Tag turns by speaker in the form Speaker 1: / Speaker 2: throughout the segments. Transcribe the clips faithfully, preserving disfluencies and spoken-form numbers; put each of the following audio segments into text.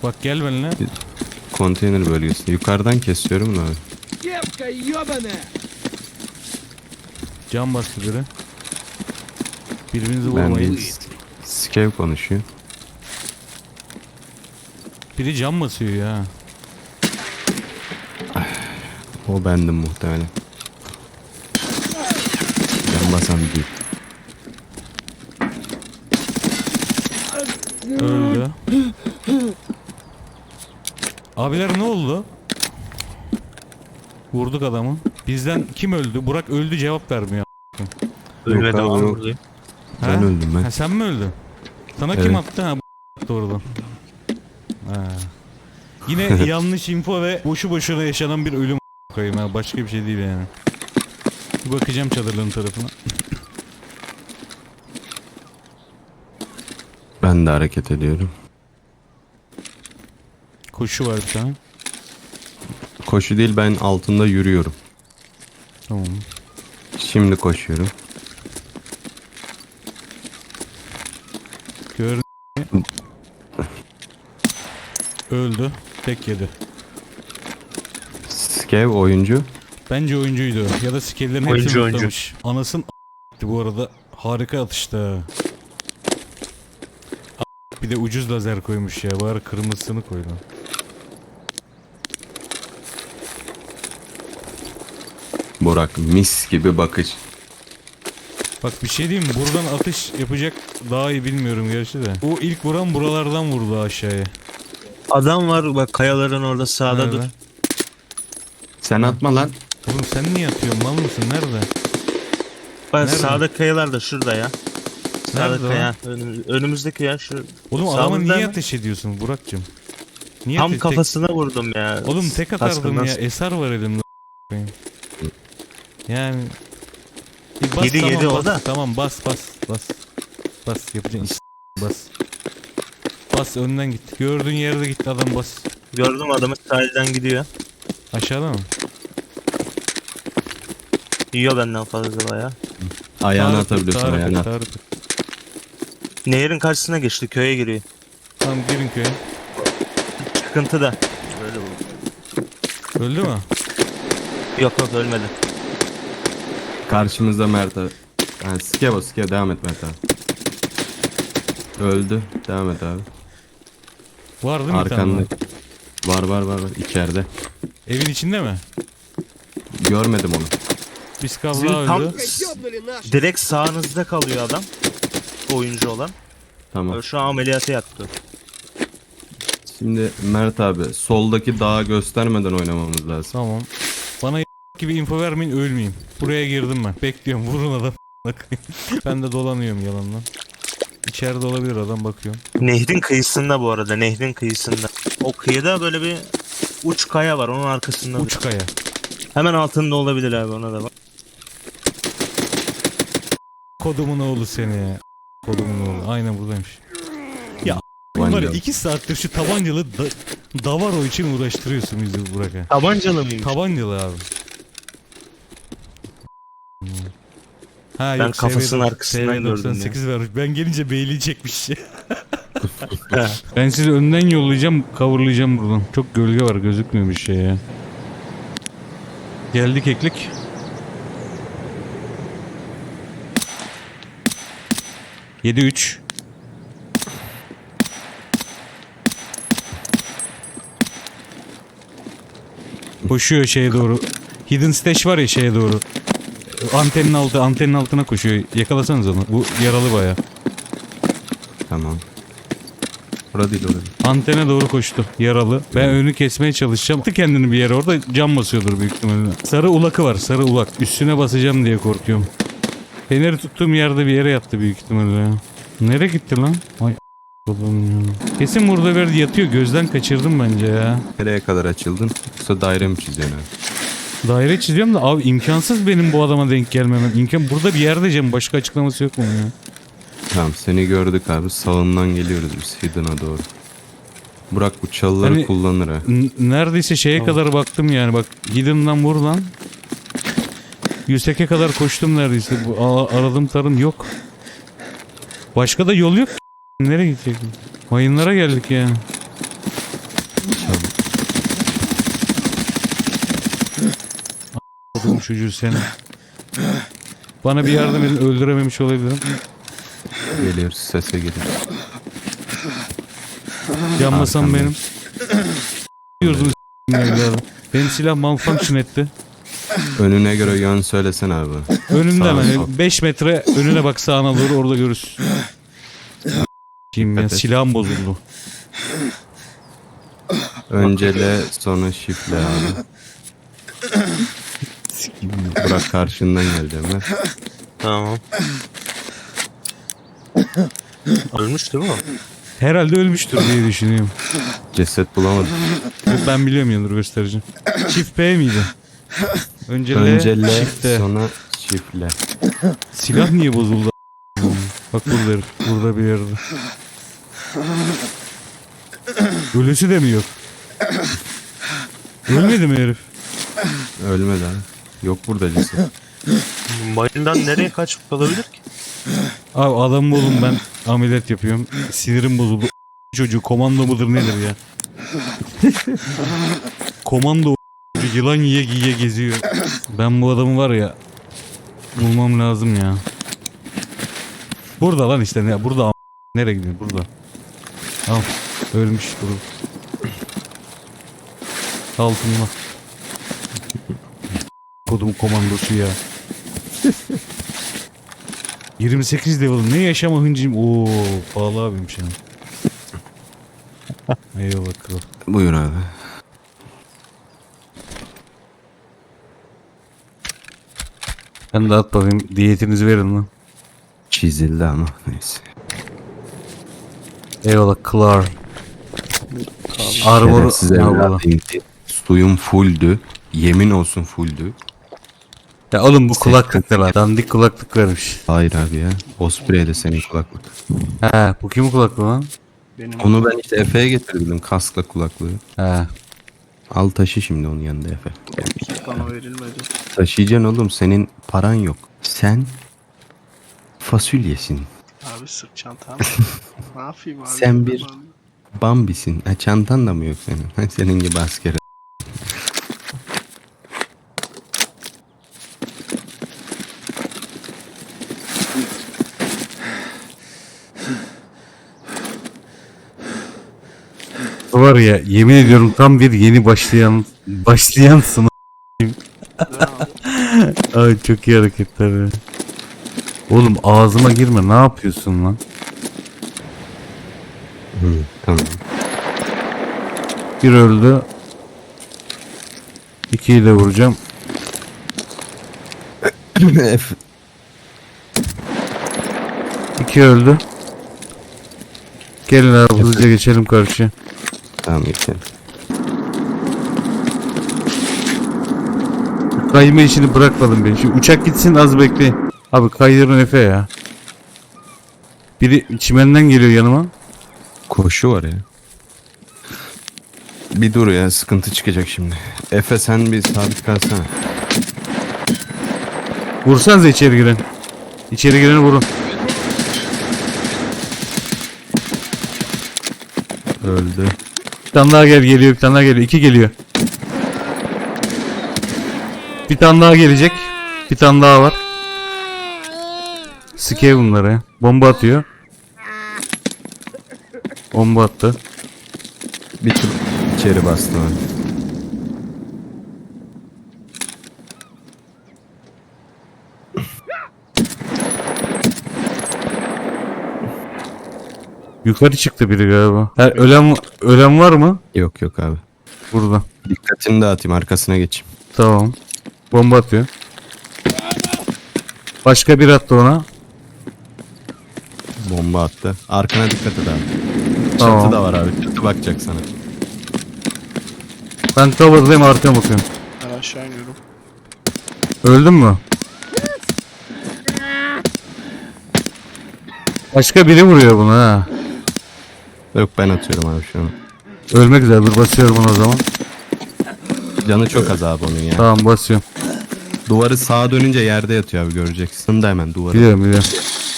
Speaker 1: Bak gel benimle.
Speaker 2: Konteyner bölgesi. Yukarıdan kesiyorum da abi.
Speaker 1: Can bastı biri. Birbirinizi
Speaker 2: Ben
Speaker 1: vurmayın.
Speaker 2: değil. Skev konuşuyor.
Speaker 1: Biri can basıyor ya.
Speaker 2: O bendim muhtemelen. Can basan değil.
Speaker 1: Öldü. Abiler ne oldu? Vurduk adamı. Bizden kim öldü? Burak öldü, cevap vermiyor.
Speaker 3: Ölmedi
Speaker 2: abi,
Speaker 3: ama
Speaker 2: yok.
Speaker 3: buradayım.
Speaker 2: Ben
Speaker 1: Ha?
Speaker 2: öldüm ben.
Speaker 1: Ha, sen mi öldün? Sana
Speaker 2: Evet.
Speaker 1: kim attı? Ha bu doğrudan. Ha. Yine yanlış info ve boşu boşuna yaşanan bir ölüm koyayım ha. Başka bir şey değil yani. Bir bakacağım çadırların tarafına.
Speaker 2: Ben de hareket ediyorum.
Speaker 1: Koşu var bir tane.
Speaker 2: Koşu değil, ben altında yürüyorum.
Speaker 1: Tamam.
Speaker 2: Şimdi koşuyorum.
Speaker 1: Gör. Öldü. Tek yedi.
Speaker 2: Skev oyuncu.
Speaker 1: Bence oyuncuydu. Ya da skill'lerin
Speaker 3: Oyuncu,
Speaker 1: hepsini
Speaker 3: oyuncu.
Speaker 1: unutlamış. Anasın a**tı bu arada. Harika atıştı. A**, bir de ucuz lazer koymuş ya. Bari kırmızısını koydu.
Speaker 2: Burak mis gibi bakış.
Speaker 1: Bak bir şey diyeyim mi? Buradan atış yapacak daha iyi bilmiyorum gerçi de. O ilk vuran buralardan vurdu aşağıya.
Speaker 3: Adam var bak kayaların orada sağda
Speaker 1: Nerede?
Speaker 3: dur.
Speaker 2: Sen atma lan.
Speaker 1: Oğlum sen niye atıyorsun? Mal mısın? Nerede?
Speaker 3: Bak
Speaker 1: Nerede?
Speaker 3: sağda kayalar da şurada ya. Sağda
Speaker 1: Nerede
Speaker 3: kaya. Önümüz, önümüzdeki ya şu.
Speaker 1: Oğlum adama
Speaker 3: Sağımızda
Speaker 1: niye
Speaker 3: mı?
Speaker 1: ateş ediyorsun Burak'cığım? Niye
Speaker 3: Tam
Speaker 1: tek-
Speaker 3: kafasına vurdum ya.
Speaker 1: tek... Oğlum tek atardım
Speaker 3: Kaskından
Speaker 1: ya. Eser var elimde. Yani... Bir bas,
Speaker 3: Yedi,
Speaker 1: tamam,
Speaker 3: yedi o
Speaker 1: bas,
Speaker 3: da.
Speaker 1: Tamam bas bas bas. Bas yapacaksın iş. Bas. Bas önden git. Gördüğün yerde git adam bas.
Speaker 3: Gördüm adamı sahilden gidiyor.
Speaker 1: Aşağıda mı?
Speaker 3: Yiyor benden fazla baya.
Speaker 2: Ayağını
Speaker 1: Tarık,
Speaker 2: atabiliyorsun
Speaker 1: Tarık,
Speaker 2: ayağına.
Speaker 1: Tarık.
Speaker 3: Nehrin karşısına geçti köye giriyor.
Speaker 1: Tamam girin köye.
Speaker 3: Çıkıntı da. Böyle oldu.
Speaker 1: Öldü mü?
Speaker 3: Yok yok ölmedi.
Speaker 2: Karşımızda Mert abi. Yani Skev o Skev, devam et Mert abi. Öldü. Devam et abi.
Speaker 1: Var değil mi bir tane
Speaker 2: Arkanda.
Speaker 1: daha?
Speaker 2: Var var var var. İçeride.
Speaker 1: Evin içinde mi?
Speaker 2: Görmedim onu.
Speaker 1: Biz
Speaker 3: Sizin
Speaker 1: kavla
Speaker 3: tam
Speaker 1: öldü.
Speaker 3: direkt sağınızda kalıyor adam. Oyuncu olan.
Speaker 2: Tamam.
Speaker 3: Şu an ameliyata yattı.
Speaker 2: Şimdi Mert abi soldaki dağı göstermeden oynamamız lazım.
Speaker 1: Tamam. Bana gibi info vermeyin ölmeyeyim. Buraya girdim ben. Bekliyorum vurun adam. Ben de dolanıyorum yalandan. İçeride olabilir adam bakıyorum.
Speaker 3: Nehrin kıyısında bu arada. Nehrin kıyısında. O kıyıda böyle bir uç kaya var. Onun arkasında.
Speaker 1: Uç kaya.
Speaker 3: Hemen altında olabilir abi ona da bak.
Speaker 1: Kodumun oğlu seni. Kodumun oğlu. Aynen buradaymış. Ya var ya
Speaker 2: Tabancalı.
Speaker 1: iki saattir şu tabancalı da, Davaro için uğraştırıyorsun bizi Burak'a.
Speaker 3: Tabancalı mıymış?
Speaker 1: Tabancalı abi. Ha,
Speaker 3: Ben
Speaker 1: yok,
Speaker 3: kafasının
Speaker 1: S V
Speaker 3: arkasından
Speaker 1: S V
Speaker 3: gördüm
Speaker 1: doksan sekiz vermiş. Ben gelince beyliği çekmiş. Ben sizi önden yollayacağım, coverlayacağım buradan. Çok gölge var, gözükmüyor bir şey ya. Geldik eklik. yedi üç. Koşuyor şeye doğru. Hidden Stash var ya şeye doğru. Antenin altı, antenin altına koşuyor. Yakalasanız onu. Bu yaralı baya.
Speaker 2: Tamam. Orada değil, orada değil.
Speaker 1: Antene doğru koştu. Yaralı. Ben önü kesmeye çalışacağım. Attı kendini bir yere. Orada cam basıyordur büyük ihtimalle. Sarı ulakı var. Sarı ulak. Üstüne basacağım diye korkuyorum. Feneri tuttuğum yerde bir yere yattı büyük ihtimalle ya. Nereye gitti lan? Ay oğlum ya. Kesin burada bir yerde yatıyor. Gözden kaçırdım bence ya.
Speaker 2: Nereye kadar açıldın? Yoksa daire mi çiziyorsun abi?
Speaker 1: Daire çiziyorum da abi imkansız benim bu adama denk gelmemem. İmkan burada bir yerde Cem. Başka açıklaması yok mu ya?
Speaker 2: Tamam, seni gördük abi. Sağından geliyoruz biz Hidden'a doğru. Burak bu çalıları
Speaker 1: Hani-
Speaker 2: kullanır ha.
Speaker 1: N- neredeyse şeye
Speaker 3: Tamam.
Speaker 1: kadar baktım yani. Bak Hidden'dan vur lan. Yüksek'e kadar koştum neredeyse. Bu a- aradım tarım yok. Başka da yol yok. Nereye gidecek? Mayınlara geldik yani. koydum çocuğu seni. Bana bir yardım edin, öldürememiş olabilirim.
Speaker 2: Geliyoruz, sese geliyoruz.
Speaker 1: Yanmasam
Speaker 2: Arkamda.
Speaker 1: benim. Diyordum evladım. Benim silah malfunction etti.
Speaker 2: Önüne göre yön söylesene abi.
Speaker 1: Önümde
Speaker 2: Sağ,
Speaker 1: hemen
Speaker 2: sol.
Speaker 1: beş metre önüne bak, sağına doğru, orada görürsün. Kim ya,
Speaker 2: Dikkat et.
Speaker 1: silahım bozuldu.
Speaker 2: Öncele sonra shift'le abi. Bırak karşından geldi Ömer.
Speaker 3: Tamam. Ölmüş değil mi o?
Speaker 1: Herhalde ölmüştür diye düşünüyorum.
Speaker 2: Ceset bulamadım.
Speaker 1: Ben biliyorum ya, dur göstereceğim. Çift P miydi? Önce L,
Speaker 2: Öncele
Speaker 1: çift T.
Speaker 2: sonra shift'le.
Speaker 1: Silah niye bozuldu? Bak burada herif, burada bir yerde. Ölüsü de mi yok? Ölmedi mi herif?
Speaker 2: Ölmedi abi. Yok burada ceset.
Speaker 3: Mayından nereye kaçıp kalabilir ki?
Speaker 1: Abi adam oğlum, ben ameliyat yapıyorum. Sinirim bozuldu. Çocuğu komando mudur nedir ya? Komando yılan yiye giye geziyor. Ben bu adamı var ya, bulmam lazım ya. Burada lan işte, ne burada am- nereye gidiyor burada? Al, ölmüş burada. Altında. Kodum komandosu ya. yirmi sekiz level, ne yaşama hıncım. Oo, pahalı abiymiş yani. Eyvallah kral.
Speaker 2: Buyur abi.
Speaker 1: Ben de at bakayım, diyetinizi verin lan.
Speaker 2: Çizildi ama neyse.
Speaker 1: Eyvallah kral. Armor
Speaker 2: Şerefsiz evladım. Suyum fulldü. Yemin olsun fulldü.
Speaker 1: Ya oğlum bu kulaklık ne lan? Dandik kulaklık vermiş.
Speaker 2: Hayır abi ya. Osprey'de senin kulaklık.
Speaker 1: He, bu kimin kulaklığı lan?
Speaker 2: Onu ben işte Efe'ye getirdim, kaskla kulaklığı.
Speaker 1: He.
Speaker 2: Al taşı şimdi onun yanında Efe.
Speaker 4: Bana verilmedi.
Speaker 2: Taşıyacaksın oğlum, senin paran yok. Sen fasulyesin.
Speaker 4: Abi sırt çantam. Ne yapayım abi?
Speaker 2: Sen bir- Bambisin. Ha, çantan da mı yok senin? Ha, senin gibi asker.
Speaker 1: Var ya, yemin ediyorum tam bir yeni başlayan başlayansın. Ay çok iyi hareketler ya. Oğlum ağzıma girme, ne yapıyorsun lan?
Speaker 2: Hı, tamam.
Speaker 1: Bir öldü. İkiyi de vuracağım.
Speaker 2: Efe.
Speaker 1: İki öldü. Gelin abi, hızlıca geçelim karşıya.
Speaker 2: Tamam geçelim.
Speaker 1: Kayma işini bırakmadım ben. Şu uçak gitsin, az bekleyin. Abi kaydırın Efe ya. Biri çimenden geliyor yanıma.
Speaker 2: Koşu var ya. Bir dur ya, sıkıntı çıkacak şimdi. Efe sen bir sabit kalsana.
Speaker 1: Vursanıza içeri giren. İçeri gireni vurun.
Speaker 2: Öldü.
Speaker 1: Bir tane daha gel geliyor, bir tane daha geliyor. İki geliyor. Bir tane daha gelecek. Bir tane daha var. Sikey bunları ya. Bomba atıyor. Bomba attı.
Speaker 2: Bir tur içeri bastı abi.
Speaker 1: Yukarı çıktı biri galiba. Ha, ölen ölen var mı?
Speaker 2: Yok yok abi.
Speaker 1: Burada.
Speaker 2: Dikkatini dağıtayım, arkasına geçeyim.
Speaker 1: Tamam. Bomba atıyor. Başka bir attı ona.
Speaker 2: Bomba attı. Arkana dikkat et abi.
Speaker 1: Tamam.
Speaker 2: Çatı da var abi. Çatı bakacak sana.
Speaker 1: Ben cover'dayım, arkaya bakıyorum.
Speaker 4: Ben aşağı iniyorum.
Speaker 1: Öldün mü? Başka biri vuruyor bunu ha.
Speaker 2: Yok ben atıyorum abi şu an.
Speaker 1: Ölmek üzere, dur basıyorum onu o zaman.
Speaker 2: Canı çok az abi onun ya.
Speaker 1: Tamam, basıyorum.
Speaker 2: Duvarı sağa dönünce yerde yatıyor abi, göreceksin. Da hemen duvarı.
Speaker 1: Biliyorum biliyorum.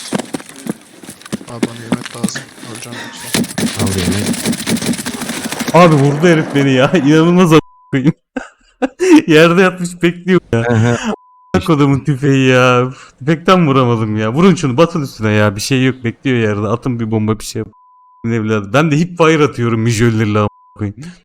Speaker 4: Abi bana yemek lazım. Öleceğim yoksa.
Speaker 2: Al yemeği.
Speaker 1: Abi vurdu herif beni ya. İnanılmaz a**ayım. Yerde yatmış bekliyor ya. Kodumun tüfeği ya. Üf, tüfekten vuramadım ya. Vurun şunu, batın üstüne ya. Bir şey yok, bekliyor yerde. Atın bir bomba, bir şey yap. Evladı. Ben de hip fire atıyorum mijöllerle a**ına koyayım.